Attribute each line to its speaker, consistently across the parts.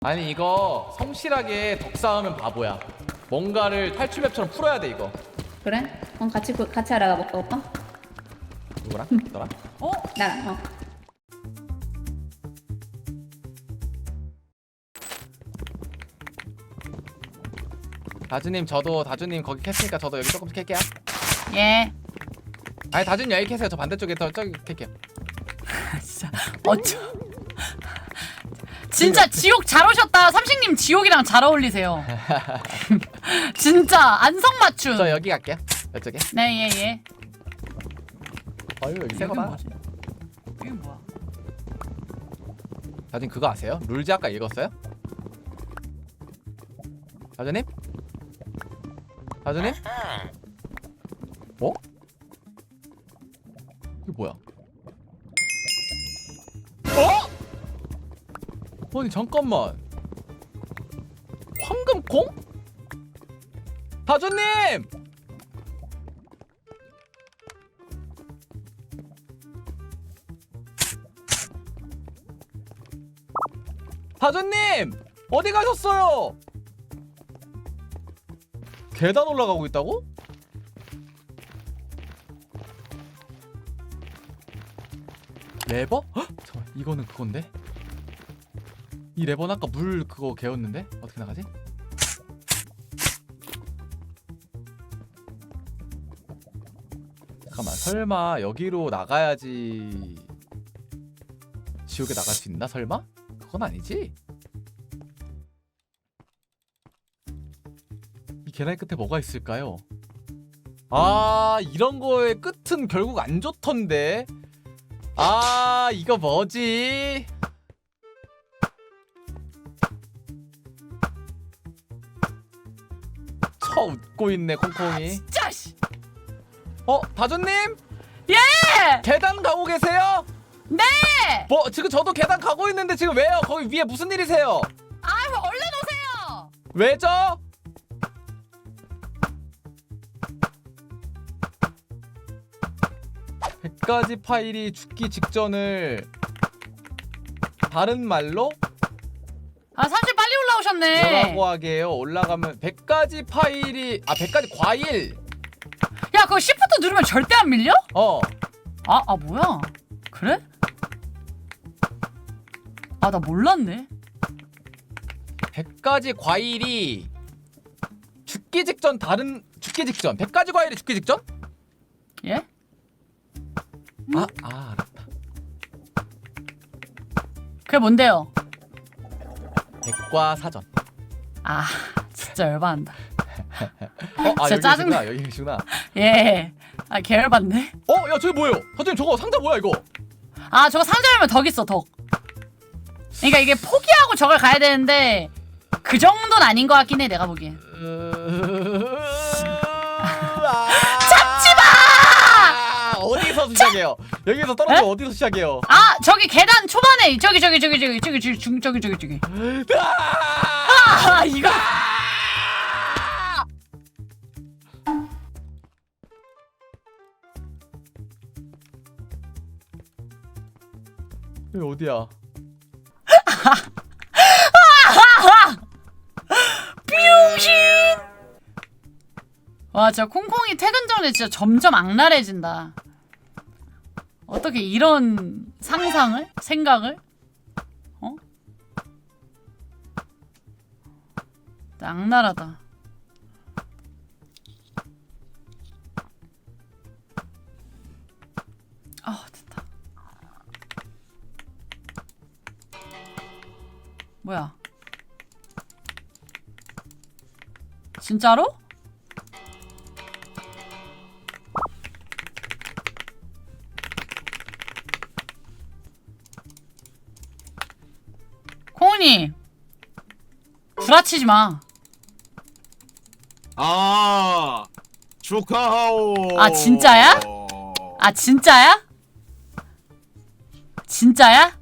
Speaker 1: 아니 이거 성실하게 덕 쌓으면 바보야. 뭔가를 탈출맵처럼 풀어야 돼 이거.
Speaker 2: 그래? 그럼 같이 알아가 볼까 오빠?
Speaker 1: 누구랑? 너랑?
Speaker 2: 나랑.
Speaker 1: 다주님 저도 다주님 거기 캤으니까 저도 여기 조금씩 캘게요.
Speaker 2: 예.
Speaker 1: 아니 다주님 여기 캐세요. 저 반대쪽에 더 저기 캘게요.
Speaker 2: 진짜 어쩌. 진짜 지옥 잘 오셨다. 삼식님 지옥이랑 잘 어울리세요. 진짜 안성맞춤.
Speaker 1: 저 여기 갈게요. 이쪽에.
Speaker 2: 네 예.
Speaker 1: 어유 여기 새거다.
Speaker 2: 이게 뭐야?
Speaker 1: 다주님 그거 아세요? 룰즈 아까 읽었어요? 다주님? 다주님? 어? 이게 뭐야? 어? 아니 잠깐만. 황금콩? 다주님! 다주님! 어디 가셨어요? 계단 올라가고 있다고? 레버? 헉! 잠깐만 이거는 그건데? 이 레버는 아까 물 그거 개었는데? 어떻게 나가지? 잠깐만 설마 여기로 나가야지 지옥에 나갈 수 있나 설마? 그건 아니지? 이 계단 끝에 뭐가 있을까요? 아 이런 거의 끝은 결국 안 좋던데. 아 이거 뭐지? 쳐 웃고 있네 콩콩이.
Speaker 2: 진짜 씨.
Speaker 1: 다주님?
Speaker 2: 예.
Speaker 1: 계단 가고 계세요?
Speaker 2: 네.
Speaker 1: 뭐 지금 저도 계단 가고 있는데 지금 왜요? 거기 위에 무슨 일이세요?
Speaker 2: 아이고 얼른 오세요.
Speaker 1: 왜죠? 백 가지 파일이 죽기 직전을 다른 말로
Speaker 2: 아 삼식 빨리 올라오셨네.
Speaker 1: 뭐라고 하게요? 올라가면 100가지 파일이 100가지 과일.
Speaker 2: 야 그거 시프트 누르면 절대 안 밀려? 아 뭐야? 그래? 아 나 몰랐네.
Speaker 1: 100가지 과일이 죽기 직전 100가지 과일이 죽기 직전?
Speaker 2: 예?
Speaker 1: 알았다.
Speaker 2: 그게 뭔데요?
Speaker 1: 백과사전.
Speaker 2: 아 진짜 열받는다.
Speaker 1: 여기
Speaker 2: 짜증나.
Speaker 1: 계시구나. 여기 계시구나.
Speaker 2: 예. 아 계열받네.
Speaker 1: 야 저기 뭐예요? 사장님 저거 상자 뭐야 이거?
Speaker 2: 아 저거 상자면 덕 있어 덕. 그러니까 이게 포기하고 저걸 가야 되는데 그 정도는 아닌 것 같긴 해 내가 보기엔.
Speaker 1: 잡지마! 어디서 시작해요? 여기서 떨어지면 어디서 시작해요?
Speaker 2: 아 저기 계단 초반에 저기 아 이거
Speaker 1: 여기 어디야?
Speaker 2: 뿅신. 와 진짜 콩콩이 퇴근 전에 진짜 점점 악랄해진다. 어떻게 이런 상상을? 생각을? 악랄하다. 됐다. 뭐야? 진짜로? 콩훈이 구라치지 마.
Speaker 3: 축하하오.
Speaker 2: 아, 진짜야? 아 진짜야? 진짜야?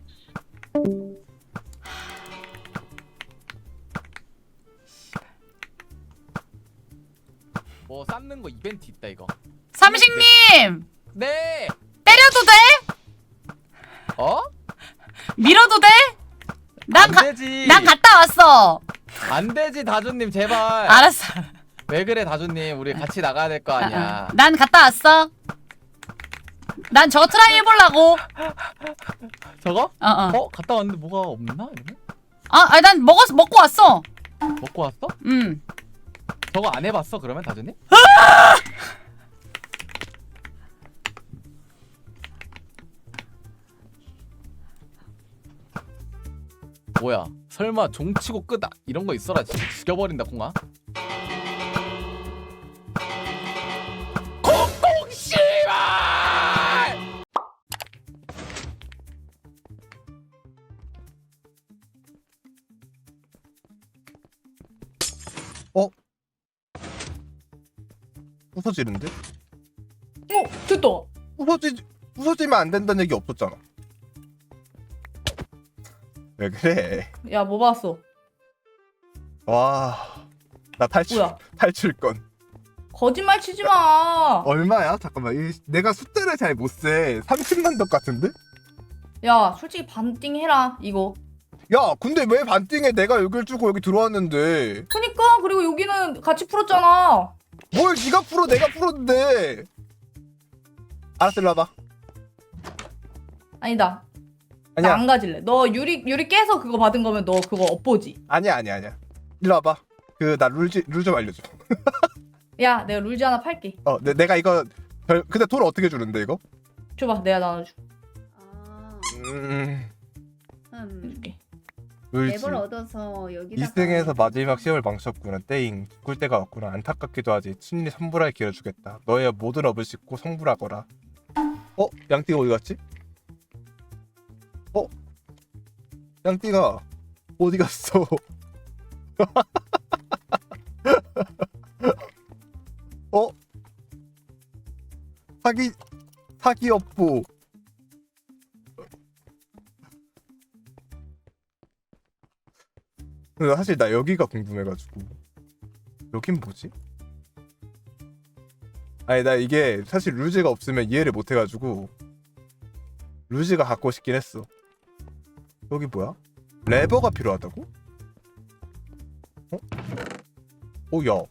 Speaker 1: 뭐 쌓는 거 이벤트 있다 이거.
Speaker 2: 삼식님
Speaker 1: 네.
Speaker 2: 때려도 돼?
Speaker 1: 어?
Speaker 2: 밀어도 돼? 난
Speaker 1: 되지.
Speaker 2: 난 갔다 왔어.
Speaker 1: 안 되지 다주님 제발.
Speaker 2: 알았어.
Speaker 1: 왜 그래 다주님 우리 같이 나가야 될 거 아니야.
Speaker 2: 난 갔다 왔어. 난 저거 트라이 해보려고.
Speaker 1: 저거?
Speaker 2: 어어.
Speaker 1: 갔다 왔는데 뭐가 없나? 이러면?
Speaker 2: 아니 난 먹고 왔어.
Speaker 1: 먹고 왔어?
Speaker 2: 음.
Speaker 1: 저거 안 해봤어 그러면 다주님? 뭐야 설마 종치고 끄다 이런 거 있어라 진짜 죽여버린다 콩아. 콩콩 씨발!
Speaker 3: 부서지는데?
Speaker 2: 됐다.
Speaker 3: 부서지면 안 된다는 얘기 없었잖아. 왜 그래?
Speaker 2: 야, 뭐 봤어?
Speaker 3: 와, 나
Speaker 2: 뭐야?
Speaker 3: 탈출권.
Speaker 2: 거짓말 치지 마.
Speaker 3: 얼마야? 잠깐만, 내가 숫자를 잘 못 세. 30만 덕 같은데?
Speaker 2: 야, 솔직히 반띵 해라 이거.
Speaker 3: 야, 근데 왜 반띵에 내가 여길 주고 여기 들어왔는데?
Speaker 2: 그니까 그리고 여기는 같이 풀었잖아.
Speaker 3: 뭘 네가 풀어? 내가 풀었는데? 알았어, 일로 와봐.
Speaker 2: 아니다. 나
Speaker 3: 아니야,
Speaker 2: 안 가질래. 너 유리 깨서 그거 받은 거면 너 그거 엇보지.
Speaker 3: 아니야. 일로 와봐. 나 룰 좀 알려줘.
Speaker 2: 야, 내가 룰즈 하나 팔게.
Speaker 3: 내가 이거 근데 돈 어떻게 주는데 이거?
Speaker 2: 줘봐, 내가 나눠줘.
Speaker 4: 아,
Speaker 2: 줄게.
Speaker 3: 룰지.
Speaker 4: 랩을 얻어서 여기다가
Speaker 3: 2승에서 마지막 시험을 망쳤구나. 땡. 죽을 때가 왔구나. 안타깝기도 하지. 친히 성불할 기회를 주겠다. 너의 모든 업을 싣고 성불하거라. 양띠가 어디 갔지? 양띠가 어디 갔어? 사기 업보. 근데 사실 나 여기가 궁금해가지고. 여긴 뭐지? 아니 나 이게 사실 루즈가 없으면 이해를 못해가지고 루즈가 갖고 싶긴 했어. 여기 뭐야? 레버가 필요하다고? 야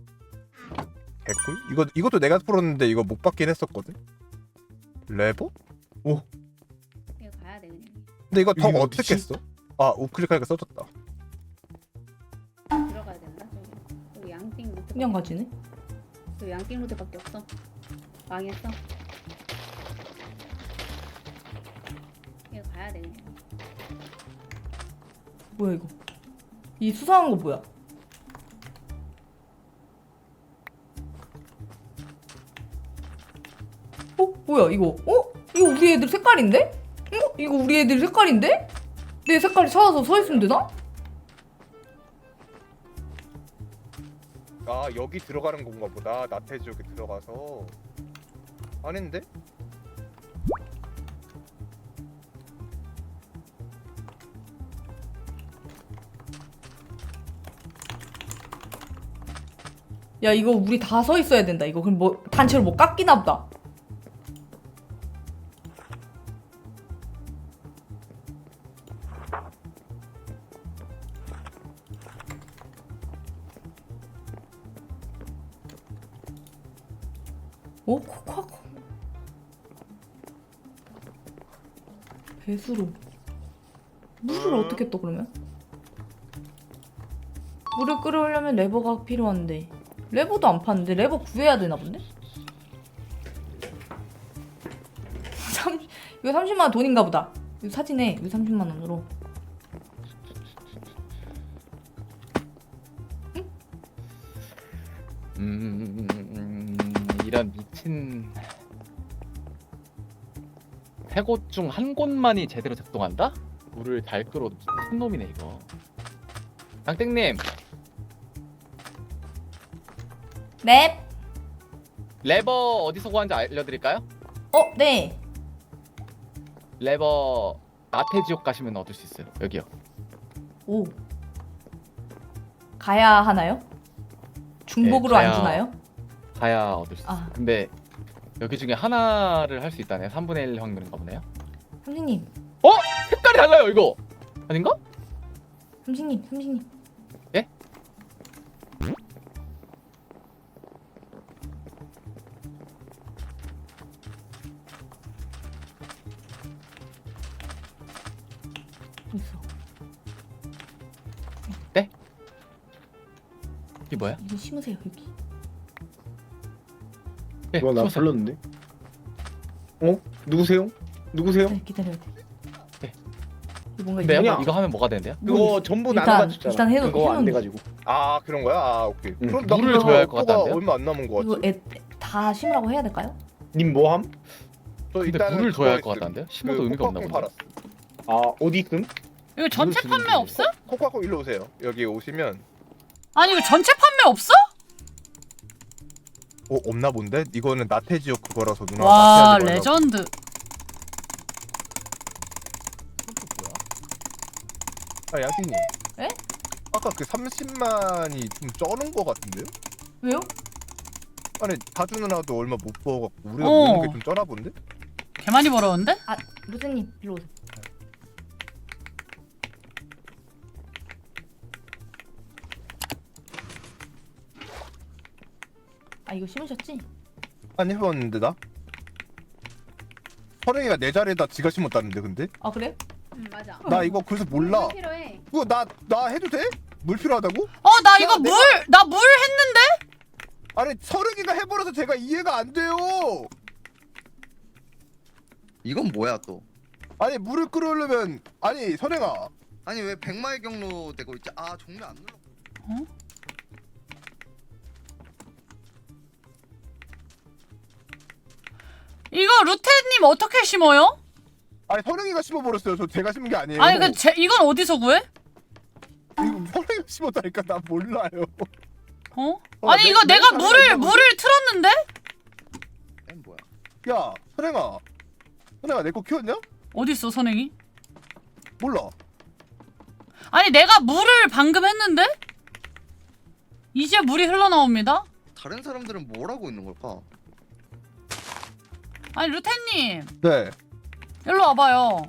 Speaker 3: 개꿀? 이것도 내가 풀었는데 이거 못 받긴 했었거든? 레버?
Speaker 4: 이거 가야 돼 그냥.
Speaker 3: 근데 이거 더 이게 어떻게 어디지? 했어? 우클릭하니까 써졌다.
Speaker 4: 들어가야 된다. 여기 양띵 루트.
Speaker 2: 그냥 가지네.
Speaker 4: 여기 양띵 루트밖에 없어. 망했어. 이거 가야 돼 그냥.
Speaker 2: 뭐야 이거? 이 수상한 거 뭐야? 뭐야 이거? 이거 우리 애들 색깔인데? 이거 우리 애들 색깔인데? 내 색깔이 찾아서 서 있으면 되나?
Speaker 3: 여기 들어가는 건가 보다. 나태지 여기 들어가서. 아닌데?
Speaker 2: 야 이거 우리 다 서 있어야 된다. 이거 그럼 뭐 단체로 뭐 깎이나 보다. 코코코 배수로 물을 어떻게 떠 그러면? 물을 끓여오려면 레버가 필요한데 레버도 안 파는데 레버 구해야 되나 본데? 이거 30만 원 돈인가 보다. 이거 사진에 이거 30만 원으로.
Speaker 1: 이런 미친 세 곳 중 한 곳만이 제대로 작동한다? 물을 잘 끌어도 미친 놈이네 이거. 양땡님
Speaker 2: 넵.
Speaker 1: 레버 어디서 구하는지 알려드릴까요?
Speaker 2: 네.
Speaker 1: 레버 나태지옥 가시면 얻을 수 있어요. 여기요.
Speaker 2: 오. 가야 하나요? 중복으로
Speaker 1: 네,
Speaker 2: 안
Speaker 1: 가야-
Speaker 2: 주나요?
Speaker 1: 가야 얻을 수 있어요.
Speaker 2: 아.
Speaker 1: 근데 여기 중에 하나를 할 수 있다네요. 3분의 1 확률인가 보네요.
Speaker 2: 선생님.
Speaker 1: 색깔이 달라요 이거. 아닌가?
Speaker 5: 삼식님.
Speaker 1: 예?
Speaker 5: 있어.
Speaker 1: 이게 뭐야?
Speaker 5: 이거 심으세요 여기.
Speaker 1: 예,
Speaker 6: 누가 나
Speaker 1: 숨었어요.
Speaker 6: 불렀는데? 어? 누구세요? 누구세요?
Speaker 5: 기다려야 돼.
Speaker 1: 네.
Speaker 5: 이거 뭔가
Speaker 1: 근데요?
Speaker 6: 그냥-
Speaker 1: 이거 하면 뭐가 되는데요?
Speaker 6: 그거 전부
Speaker 5: 일단-
Speaker 6: 나눠가지고
Speaker 5: 일단 해놓-
Speaker 6: 그거 안
Speaker 5: 해놓은-
Speaker 6: 돼가지고.
Speaker 3: 아 그런 거야? 아 오케이.
Speaker 6: 응.
Speaker 3: 그럼 나
Speaker 1: 물을
Speaker 3: 그거
Speaker 1: 줘야 할것
Speaker 3: 거가
Speaker 1: 같다는데요?
Speaker 3: 얼마 안 남은 거
Speaker 5: 이거
Speaker 3: 같아.
Speaker 5: 다 심으라고 해야 될까요?
Speaker 6: 님 뭐함?
Speaker 3: 저
Speaker 1: 근데
Speaker 3: 일단은
Speaker 1: 물을 줘야 할 것
Speaker 3: 그거
Speaker 1: 같다는데요?
Speaker 3: 있음.
Speaker 1: 심어도 의미가 없나
Speaker 3: 코코콩
Speaker 1: 본데.
Speaker 3: 팔았어.
Speaker 6: 아 어디 있음?
Speaker 2: 이거 전체
Speaker 1: 주는
Speaker 2: 판매
Speaker 1: 중이에요.
Speaker 2: 없어?
Speaker 3: 코코콩 일로 오세요. 여기 오시면
Speaker 2: 아니 이거 전체 판매 없어?
Speaker 3: 없나 본데? 이거는 나태지역 그거라서 누나.
Speaker 2: 와 레전드.
Speaker 3: 아 양띵님.
Speaker 5: 에?
Speaker 3: 아까 그 30만이 좀 쩌는 거 같은데요?
Speaker 5: 왜요?
Speaker 3: 아니 다주 누나도 얼마 못 벌어갖고 우리가
Speaker 2: 어.
Speaker 3: 모는 게 좀 쩌나 본데?
Speaker 2: 개 많이 벌었는데?
Speaker 5: 아 루테님 일로 오세요. 아 이거 심으셨지?
Speaker 3: 안 해봤는데 나? 선행이가 내 자리에다 지가 심었다는데 근데?
Speaker 5: 아 그래?
Speaker 4: 맞아.
Speaker 3: 나 이거 그래서 몰라.
Speaker 4: 물 필요해.
Speaker 3: 그거 나 해도 돼? 물 필요하다고?
Speaker 2: 나 이거
Speaker 3: 내가-
Speaker 2: 나 물 했는데?
Speaker 3: 아니 선행이가 해버려서 제가 이해가 안 돼요.
Speaker 7: 이건 뭐야 또?
Speaker 3: 아니 물을 끓으려면 아니 선행아
Speaker 7: 아니 왜 백마의 경로 되고 있지? 아 종료 안 눌러.
Speaker 2: 이거 루테님 어떻게 심어요?
Speaker 3: 아니 선행이가 심어버렸어요. 저 제가 심은 게 아니에요.
Speaker 2: 아니 이건 어디서 구해?
Speaker 3: 이거 선행이가 심었다니까 나 몰라요.
Speaker 2: 아니
Speaker 3: 내-
Speaker 2: 이거
Speaker 3: 내
Speaker 2: 내가
Speaker 3: 자리에
Speaker 2: 물을 틀었는데?
Speaker 7: 엠 뭐야?
Speaker 3: 야 선행아 내 거 키웠냐?
Speaker 2: 어딨어 선행이?
Speaker 3: 몰라.
Speaker 2: 아니 내가 물을 방금 했는데? 이제 물이 흘러나옵니다.
Speaker 7: 다른 사람들은 뭘 하고 있는 걸까?
Speaker 2: 아니 루테님
Speaker 3: 네.
Speaker 2: 일로 와봐요.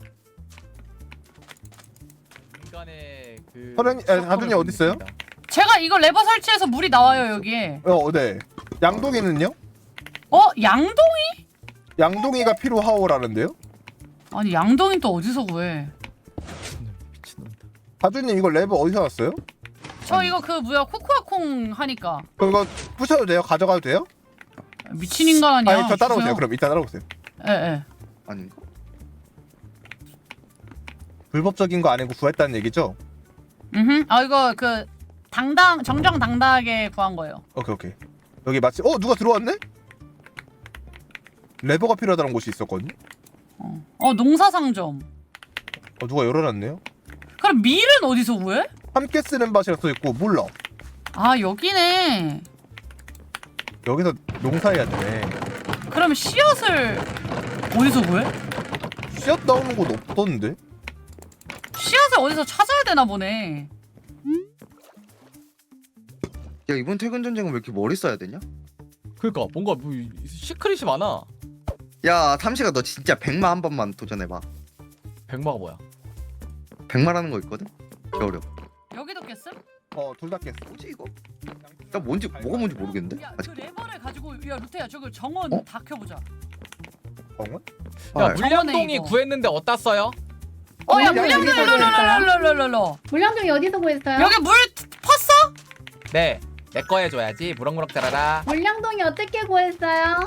Speaker 1: 인간의 그
Speaker 3: 다준이 어디 있어요?
Speaker 2: 제가 이거 레버 설치해서 물이 나와요 여기에.
Speaker 3: 네. 양동이는요?
Speaker 2: 양동이?
Speaker 3: 양동이가 필요하오라는데요?
Speaker 2: 아니 양동이 또 어디서 구해?
Speaker 1: 미친놈이다.
Speaker 3: 다준님 이거 레버 어디서 났어요?
Speaker 2: 저 이거 그 뭐야 코코아콩 하니까.
Speaker 3: 그거 부셔도 돼요? 가져가도 돼요?
Speaker 2: 미친 인간 아니야.
Speaker 3: 아니 저 따라오세요.
Speaker 2: 주세요.
Speaker 3: 그럼 이따 따라오세요.
Speaker 2: 예.
Speaker 7: 아닌가?
Speaker 3: 불법적인 거 아니고 구했다는 얘기죠?
Speaker 2: 이거 그 정정당당하게 구한 거예요.
Speaker 3: 오케이. 여기 마치 누가 들어왔네? 레버가 필요하다는 곳이 있었거든.
Speaker 2: 농사상점.
Speaker 3: 누가 열어놨네요.
Speaker 2: 그럼 밀은 어디서 구해?
Speaker 3: 함께 쓰는 밭이라 써 있고 몰라.
Speaker 2: 아 여기네.
Speaker 3: 여기서 농사해야 되네.
Speaker 2: 그럼 씨앗을 어디서 구해?
Speaker 3: 씨앗 나오는 곳 없던데?
Speaker 2: 씨앗을 어디서 찾아야 되나 보네.
Speaker 7: 야 이번 퇴근 전쟁은 왜 이렇게 머리 써야 되냐?
Speaker 1: 그러니까 뭔가 뭐 시크릿이 많아.
Speaker 7: 야 삼시가 너 진짜 백마 한 번만 도전해봐.
Speaker 1: 백마가 뭐야?
Speaker 7: 백마라는 거 있거든? 개 어려.
Speaker 2: 여기도 깼음?
Speaker 3: 둘 다 깼어.
Speaker 7: 뭐지 이거? 나 뭔지 뭐가 뭔지 모르겠는데?
Speaker 2: 야,
Speaker 7: 아직.
Speaker 2: 그 레버를 가지고 야 루테야 저거 정원
Speaker 7: 어?
Speaker 2: 다 켜보자.
Speaker 3: 정원?
Speaker 1: 야
Speaker 7: 아,
Speaker 1: 물량동이
Speaker 2: 이거.
Speaker 1: 구했는데 어디다 써요?
Speaker 2: 야
Speaker 3: 야,
Speaker 2: 물량동
Speaker 3: 여기서
Speaker 2: 롤롤롤롤롤롤.
Speaker 4: 물량종이 어디서 구했어요?
Speaker 2: 여기 물 펐어?
Speaker 1: 네. 내 거 해줘야지. 무럭무럭 자라라.
Speaker 4: 물량종이 어떻게 구했어요?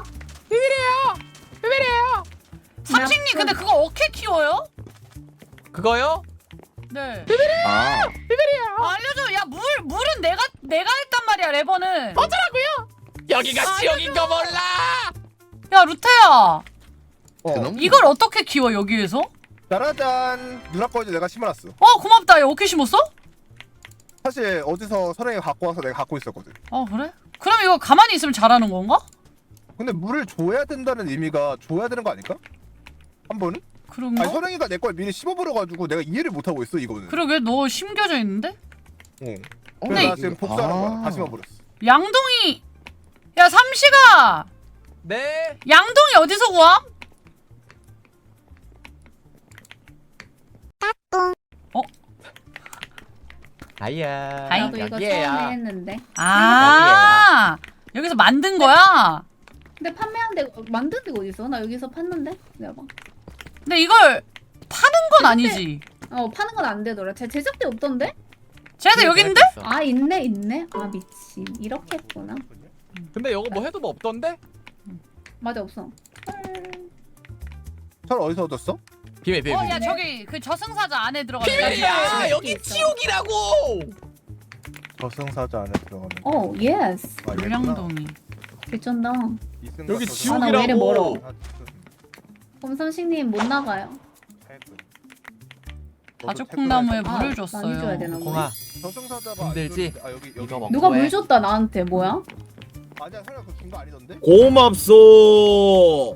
Speaker 2: 삼식님 근데 그거 어떻게 키워요?
Speaker 1: 그거요?
Speaker 2: 네.
Speaker 7: 아
Speaker 2: 알려줘. 야 물은 내가 했단 말이야 레버는.
Speaker 1: 여기가 지옥인 거 몰라.
Speaker 2: 야 루테야
Speaker 7: 그놈?
Speaker 2: 이걸 어떻게 키워 여기에서?
Speaker 3: 짜라잔. 누나 거 이제 내가 심어놨어.
Speaker 2: 고맙다. 야 어떻게 심었어?
Speaker 3: 사실 어디서 선행이가 갖고 와서 내가 갖고 있었거든.
Speaker 2: 그래? 그럼 이거 가만히 있으면 자라는 건가?
Speaker 3: 근데 물을 줘야 된다는 의미가 줘야 되는 거 아닐까? 한 번은?
Speaker 2: 그런가?
Speaker 3: 아니 선행이가 내 걸 미리 심어버려가지고 내가 이해를 못하고 있어 이거는.
Speaker 2: 그러게 너 심겨져 있는데?
Speaker 3: 그래서
Speaker 2: 근데
Speaker 3: 나 지금 복수하는 거야. 다 심어버렸어.
Speaker 2: 양동이 야 삼시가
Speaker 1: 네.
Speaker 2: 양동이 어디서 구함?
Speaker 1: 아이야.
Speaker 2: 아이.
Speaker 4: 나도 이거 처음에
Speaker 1: 여기에야.
Speaker 4: 했는데.
Speaker 2: 아 여기서 만든 거야?
Speaker 4: 근데 판매한 데 만든 데가 어디 있어? 나 여기서 팠는데. 내가 봐.
Speaker 2: 근데 이걸 파는 건 아니지.
Speaker 4: 파는 건 안 되더라. 제작대 없던데?
Speaker 2: 쟤네들 여기 있는데?
Speaker 4: 아 있네. 아 미친. 이렇게 했구나.
Speaker 1: 근데 이거 뭐 해도 뭐 없던데?
Speaker 4: 맞아 없어.
Speaker 3: 철 어디서 얻었어?
Speaker 1: 비밀 비밀.
Speaker 2: 야 저기 그 저승사자 안에 들어가는
Speaker 1: 비밀이야. 여기
Speaker 4: 있어.
Speaker 1: 지옥이라고.
Speaker 3: 저승사자 안에 들어가는.
Speaker 4: 예스.
Speaker 3: 아, 얘구나.
Speaker 2: 물량동이.
Speaker 4: 개쩐다.
Speaker 3: 이승과
Speaker 1: 여기
Speaker 3: 저승사자.
Speaker 4: 아, 나 왜 이래 멀어?
Speaker 1: 지옥이라고.
Speaker 4: 검삼식님 못 나가요.
Speaker 2: 가죽콩나무에
Speaker 4: 아,
Speaker 2: 물을
Speaker 4: 많이
Speaker 2: 줬어요.
Speaker 4: 줘야 되나?
Speaker 1: 공아.
Speaker 3: 저승사자가
Speaker 1: 힘들지?
Speaker 3: 아 여기
Speaker 1: 이거 먹고
Speaker 4: 누가
Speaker 1: 해.
Speaker 4: 물 줬다 나한테 뭐야?
Speaker 3: 아니야 설마 그거 준거 아니던데?
Speaker 8: 고맙소.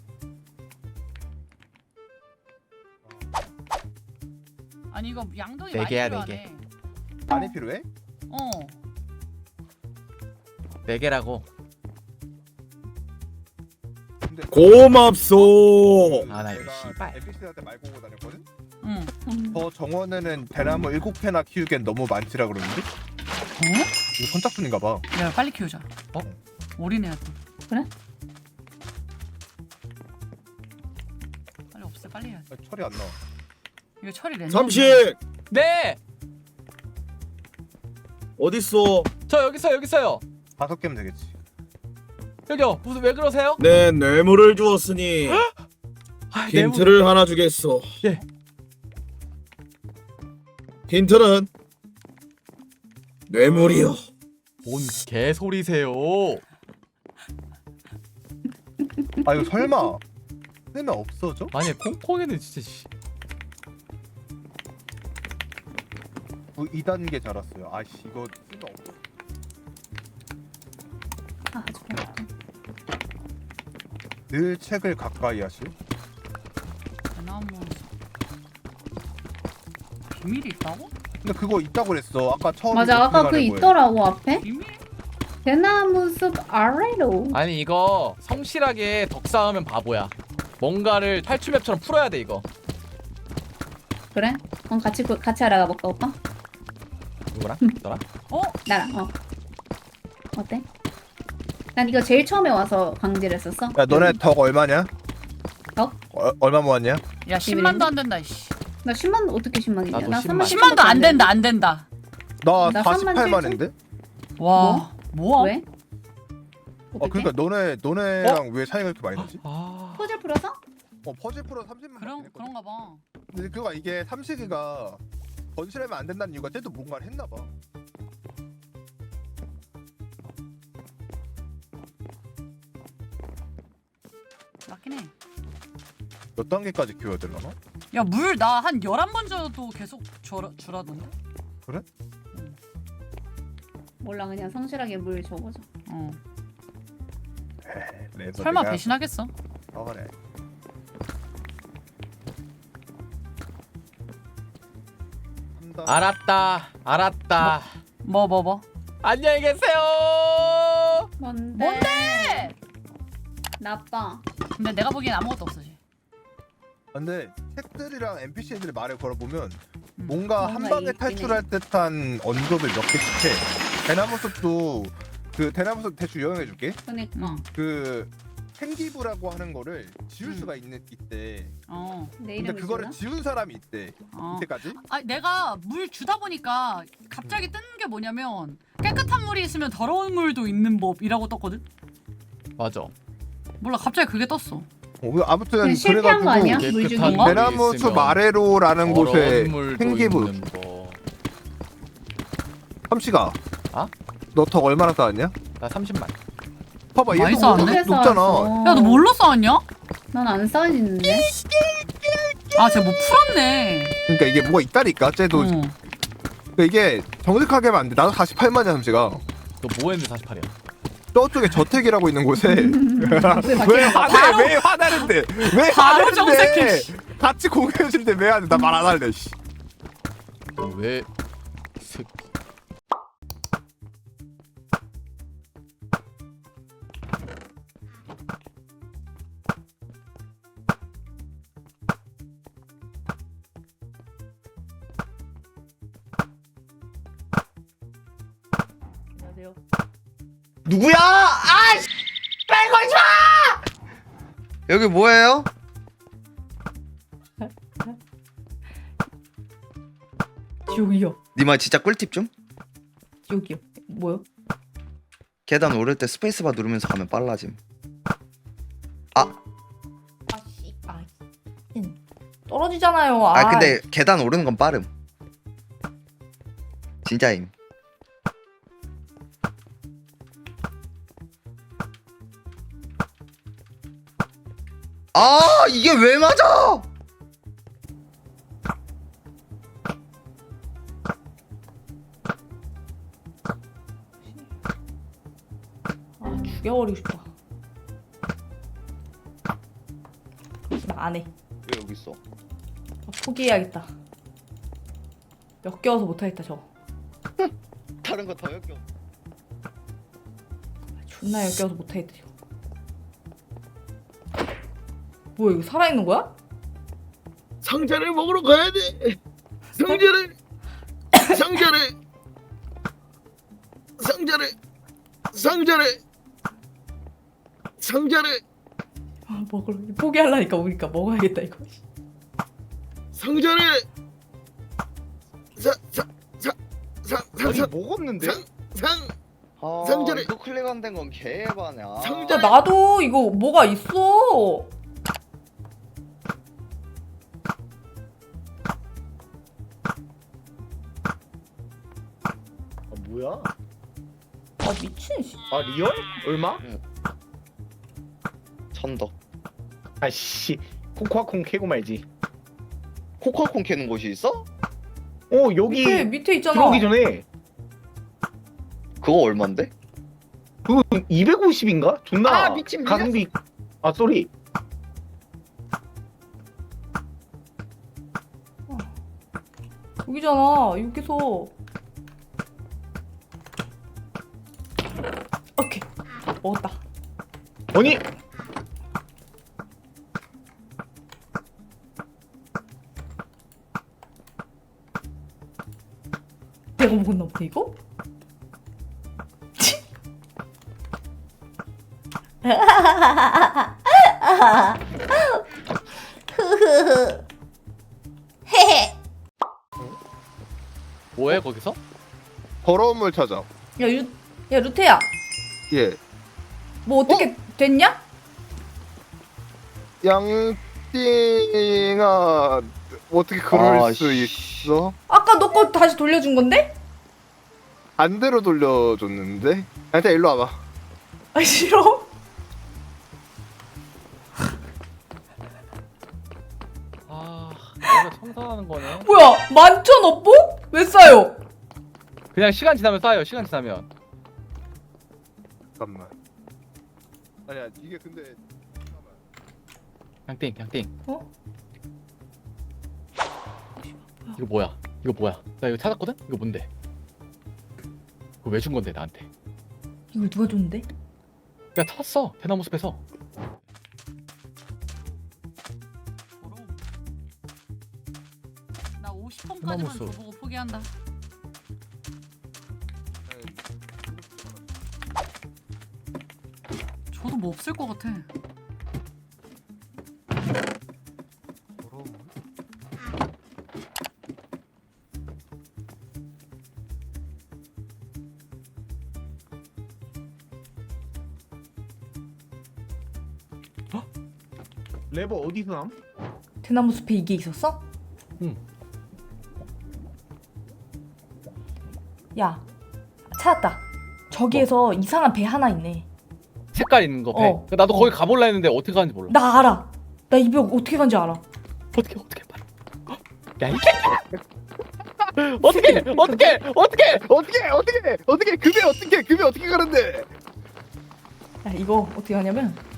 Speaker 2: 아니 이거 양동이
Speaker 1: 네
Speaker 2: 많이
Speaker 1: 개야,
Speaker 2: 필요하네.
Speaker 3: 많이 필요해?
Speaker 2: 어.
Speaker 1: 4개라고.
Speaker 3: 근데
Speaker 8: 고맙소.
Speaker 1: 아, 나 이거
Speaker 3: 내가
Speaker 1: 씨발.
Speaker 3: NPC한테 말 걸고 다녔거든?
Speaker 2: 응.
Speaker 3: 저 정원에는 대나무 7패나 키우기엔 너무 많지라 그러는데? 이거 선착순인가 봐.
Speaker 2: 야 빨리 키우자.
Speaker 1: 어?
Speaker 2: 올인해야 돼.
Speaker 4: 그래?
Speaker 2: 빨리 없애 빨리 해야 돼.
Speaker 3: 아, 철이 안 나와.
Speaker 2: 이거 처리 랜덤.
Speaker 8: 삼식
Speaker 1: 네.
Speaker 8: 어딨소?
Speaker 1: 저 여기 있어요.
Speaker 3: 5개면 되겠지.
Speaker 1: 여기요. 무슨 왜 그러세요?
Speaker 8: 내 뇌물을 주었으니
Speaker 1: 아,
Speaker 8: 힌트를 하나 주겠소.
Speaker 1: 예.
Speaker 8: 힌트는 뇌물이요.
Speaker 1: 뭔 개소리세요?
Speaker 3: 아 이거 설마 쓰면 없어져?
Speaker 1: 아니 콩콩이는 진짜 씨.
Speaker 3: 2단계 자랐어요. 아씨 이거 쓰면 없어.
Speaker 4: 아 좋아.
Speaker 3: 늘 책을 가까이 하실?
Speaker 2: 대나무. 비밀이 있다고?
Speaker 3: 근데 그거 있다고 그랬어. 아까 처음에
Speaker 4: 맞아 아까 그 있더라고 앞에.
Speaker 2: 비밀?
Speaker 4: 대나무 숲 아래로.
Speaker 1: 아니 이거 성실하게 덕 쌓으면 바보야. 뭔가를 탈출맵처럼 풀어야 돼 이거.
Speaker 4: 그래? 그럼 같이 알아가 볼까 오빠?
Speaker 1: 누구랑? 너랑?
Speaker 2: 어?
Speaker 4: 나랑. 어때? 난 이거 제일 처음에 와서 강제를 했었어.
Speaker 3: 야 너네 덕 얼마냐?
Speaker 4: 덕?
Speaker 3: 얼마 모았냐?
Speaker 2: 야 10만도 안 된다 이씨.
Speaker 4: 나 10만 어떻게 10만이냐?
Speaker 1: 나도
Speaker 4: 나
Speaker 1: 10만.
Speaker 2: 10만도 안 된다 안 된다.
Speaker 3: 나
Speaker 4: 나
Speaker 3: 48만인데?
Speaker 2: 와. 뭐야?
Speaker 4: 왜? 어떻게?
Speaker 3: 그러니까 너네랑 왜 차이가 이렇게 많이 나지?
Speaker 1: 아.
Speaker 4: 퍼즐 풀어서?
Speaker 3: 퍼즐 풀어 30만.
Speaker 2: 그런가 봐.
Speaker 3: 근데 그거 이게 삼식이가 건실하면 안 된다는 이유가 쟤도 뭔가를 했나 봐.
Speaker 2: 맞긴 해.
Speaker 3: 몇 단계까지 키워야 되려나?
Speaker 2: 야 물 나 한 11번 줘도 계속 주라던데?
Speaker 4: 몰라 그냥 성실하게 물 줘보자.
Speaker 2: 어.
Speaker 3: 레버드가
Speaker 2: 설마 배신하겠어?
Speaker 3: 그래.
Speaker 1: 알았다.
Speaker 2: 뭐?
Speaker 1: 안녕히 계세요.
Speaker 4: 뭔데? 나빠.
Speaker 2: 근데 내가 보기엔 아무것도 없어 쟤.
Speaker 3: 근데 책들이랑 NPC들의 말을 걸어보면
Speaker 2: 음.
Speaker 3: 뭔가 한
Speaker 4: 뭔가
Speaker 3: 방에
Speaker 4: 있긴
Speaker 3: 탈출할 듯한 언급을 몇 개씩 해. 대나무숲도 그 대나무숲 대충 요약해줄게.
Speaker 4: 그니까.
Speaker 2: 응.
Speaker 3: 그 생기부라고 하는 거를 지울
Speaker 2: 음.
Speaker 3: 수가 있대.
Speaker 2: 어.
Speaker 4: 내
Speaker 3: 근데
Speaker 4: 이름이
Speaker 3: 그거를
Speaker 4: 지우나?
Speaker 3: 지운 사람이 있대.
Speaker 2: 어.
Speaker 3: 이때까지?
Speaker 2: 아 내가 물 주다 보니까 갑자기 뜨는 게 뭐냐면 깨끗한 물이 있으면 더러운 물도 있는 법이라고 떴거든?
Speaker 1: 맞아.
Speaker 2: 몰라 갑자기 그게 떴어.
Speaker 3: 아무튼
Speaker 4: 그냥 실패한 거 아니야?
Speaker 3: 그래가지고
Speaker 4: 물 주기?
Speaker 2: 건가?
Speaker 3: 대나무숲 아래로라는 곳에 생기부. 삼시가.
Speaker 1: 아?
Speaker 3: 너 덕 얼마나 쌓았냐?
Speaker 1: 나 30만.
Speaker 3: 봐봐
Speaker 2: 많이
Speaker 3: 얘도
Speaker 2: 쌓았네?
Speaker 3: 높잖아.
Speaker 2: 야 너 뭘로 쌓았냐?
Speaker 4: 난안 쌓이는데.
Speaker 2: 아 쟤 뭐 풀었네.
Speaker 3: 그러니까 이게 뭐가 있다니까 쟤도.
Speaker 2: 어.
Speaker 3: 그러니까 이게 정직하게 하면 안 돼. 나도 48만이야 삼시가.
Speaker 1: 너 뭐 했는데 48이야?
Speaker 3: 저쪽에 저택이라고 있는 곳에 왜
Speaker 2: 바로-
Speaker 3: 왜 화나는데 왜
Speaker 2: 바로
Speaker 3: 화나는데
Speaker 2: 정색해, 씨.
Speaker 3: 같이 공유해줄 때 왜 하는데 나 말 안 할래 씨.
Speaker 1: 너 왜? 새끼.
Speaker 5: 안녕하세요.
Speaker 7: 누구야? 아, 씨! 빨리 걸지 마! 여기 뭐예요?
Speaker 5: 지옥이요.
Speaker 7: 니마 진짜 꿀팁 좀?
Speaker 5: 지옥이요. 뭐요?
Speaker 7: 계단 오를 때 스페이스바 누르면서 가면 빨라짐.
Speaker 5: 아씨. 떨어지잖아요.
Speaker 7: 아 근데 계단 오르는 건 빠름. 진짜임. 아 이게 왜 맞아?
Speaker 5: 죽여버리고 싶다. 나 안 해.
Speaker 7: 왜 여기 있어?
Speaker 5: 포기해야겠다. 역겨워서 못하겠다 저거.
Speaker 7: 다른 거 더 역겨.
Speaker 5: 존나 역겨워서 못하겠다 저거. 뭐야 이거 살아있는 거야?
Speaker 8: 상자를 먹으러 가야 돼. 상자를
Speaker 5: 아 먹으러 포기하려니까 오니까 먹어야겠다 이거.
Speaker 8: 상자를
Speaker 7: 아니 먹었는데? 아
Speaker 8: 상자를-
Speaker 7: 이거 클릭 안 된 건 개바냐.
Speaker 5: 진짜 나도 이거 뭐가 있어.
Speaker 6: 아 뭐야?
Speaker 5: 아 미친 씨.
Speaker 6: 아 리얼? 얼마?
Speaker 7: 천덕.
Speaker 6: 아씨 코코아콩 캐고 말지.
Speaker 7: 코코아콩 캐는 곳이 있어?
Speaker 6: 여기
Speaker 5: 밑에 있잖아.
Speaker 6: 들어오기 전에
Speaker 7: 그거 얼만데?
Speaker 6: 그거 250인가? 존나
Speaker 7: 아, 미친,
Speaker 6: 가성비. 아 쏘리.
Speaker 5: 여기잖아. 여기서. 오케이. 먹었다.
Speaker 6: 아니
Speaker 5: 내가 먹었나 보다 이거?
Speaker 1: 뭐해 거기서?
Speaker 3: 더러운 물 찾아.
Speaker 5: 야 루테야.
Speaker 3: 예.
Speaker 5: 뭐 어떻게 됐냐?
Speaker 3: 양띵아 어떻게 그럴
Speaker 7: 아,
Speaker 3: 수
Speaker 7: 씨.
Speaker 3: 있어?
Speaker 5: 아까 너 거 다시 돌려준 건데?
Speaker 3: 반대로 돌려줬는데? 일단 일로 와봐.
Speaker 5: 아 싫어.
Speaker 1: 아 내가 청소하는 거네.
Speaker 5: 뭐야? 만천 업보? 왜 싸요?
Speaker 1: 그냥 시간 지나면 쌓여. 시간 지나면.
Speaker 3: 잠깐만. 아니야 이게 근데
Speaker 1: 양띵 양띵.
Speaker 5: 어?
Speaker 1: 이거 뭐야? 이거 뭐야? 나 이거 찾았거든? 이거 뭔데? 이거 왜 준 건데 나한테?
Speaker 5: 이걸 누가 줬는데?
Speaker 1: 야 찾았어 대나무 숲에서.
Speaker 2: 나 50번까지만
Speaker 1: 소나무 숲.
Speaker 2: 줘보고 포기한다. 저도 뭐 없을 것 같아.
Speaker 6: 레버 어디서 남?
Speaker 5: 대나무 숲에 이게 있었어?
Speaker 1: 응.
Speaker 5: 야 찾았다. 저기에서 이상한 배 하나 있네.
Speaker 1: 색깔 있는 거 배.
Speaker 5: 어.
Speaker 1: 나도 거기 가볼라 했는데 어떻게 가는지 몰라.
Speaker 5: 나 알아. 나 이 배 어떻게 간지 알아.
Speaker 1: 어떻게 빨리. 야 이게 어떻게
Speaker 3: 급이 어떻게 가는데?
Speaker 5: 야 이거 어떻게 하냐면